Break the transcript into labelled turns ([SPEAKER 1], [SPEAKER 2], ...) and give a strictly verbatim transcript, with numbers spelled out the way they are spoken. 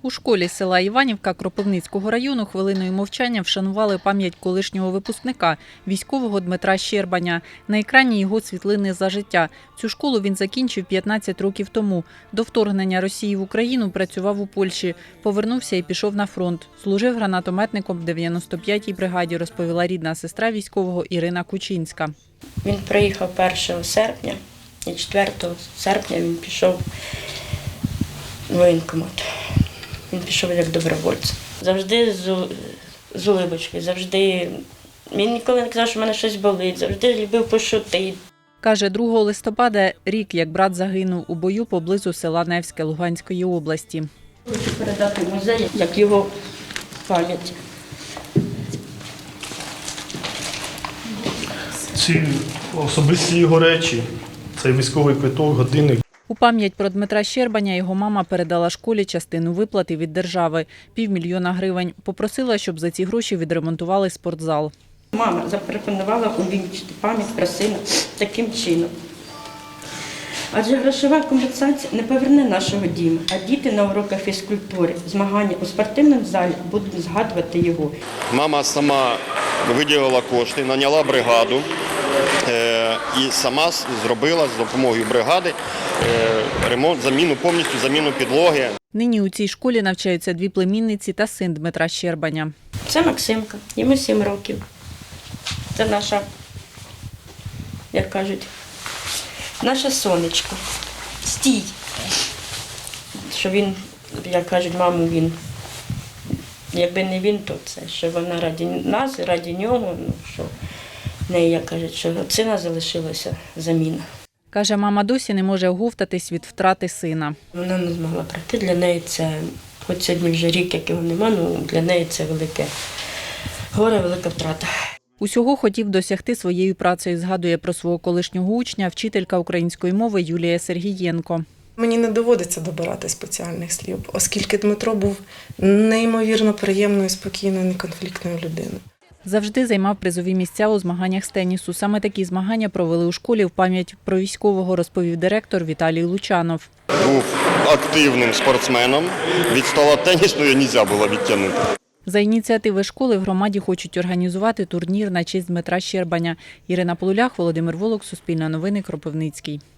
[SPEAKER 1] У школі села Іванівка Кропивницького району хвилиною мовчання вшанували пам'ять колишнього випускника, військового Дмитра Щербаня. На екрані його світлини за життя. Цю школу він закінчив п'ятнадцять років тому. До вторгнення Росії в Україну працював у Польщі. Повернувся і пішов на фронт. Служив гранатометником в дев'яносто п'ятій бригаді, розповіла рідна сестра військового Ірина Кучинська.
[SPEAKER 2] Він приїхав першого серпня і четвертого серпня він пішов в воєнкомат. Він пішов як добровольець. Завжди з, з улибочки, завжди. Він ніколи не казав, що в мене щось болить, завжди любив пошутити.
[SPEAKER 1] Каже, другого листопада рік, як брат загинув у бою поблизу села Невське Луганської області.
[SPEAKER 2] Хочу передати в музей, як його пам'ять.
[SPEAKER 3] Ці особисті його речі, цей військовий квиток, годинник.
[SPEAKER 1] У пам'ять про Дмитра Щербаня його мама передала школі частину виплати від держави – півмільйона гривень. Попросила, щоб за ці гроші відремонтували спортзал.
[SPEAKER 2] Мама запропонувала увінчити пам'ять про сина таким чином. Адже грошова компенсація не поверне нашого діму, а діти на уроках фізкультури, змагання у спортивному залі будуть згадувати його.
[SPEAKER 4] Мама сама виділила кошти, наняла бригаду і сама зробила з допомогою бригади ремонт, заміну, повністю заміну підлоги.
[SPEAKER 1] Нині у цій школі навчаються дві племінниці та син Дмитра Щербаня.
[SPEAKER 2] Це Максимка, йому сім років. Це наша, як кажуть, наша сонечко. Стій. Що він, як кажуть, маму, він, якби не він, то це, що вона раді нас, раді нього, ну, що в неї, як кажуть, що від сина залишилася заміна.
[SPEAKER 1] Каже, мама досі не може оговтатись від втрати сина.
[SPEAKER 2] Вона не змогла прийти, для неї це, хоч сьогодні вже рік, як його нема, ну для неї це велике горе, велика втрата.
[SPEAKER 1] Усього хотів досягти своєю працею, згадує про свого колишнього учня, вчителька української мови Юлія Сергієнко.
[SPEAKER 5] Мені не доводиться добирати спеціальних слів, оскільки Дмитро був неймовірно приємною, спокійною, неконфліктною людиною.
[SPEAKER 1] Завжди займав призові місця у змаганнях з тенісу. Саме такі змагання провели у школі в пам'ять про військового, розповів директор Віталій Лучанов.
[SPEAKER 4] Був активним спортсменом, від стола тенісної не можна було відтягнути.
[SPEAKER 1] За ініціативи школи в громаді хочуть організувати турнір на честь Дмитра Щербаня. Ірина Полулях, Володимир Волок, Суспільне новини, Кропивницький.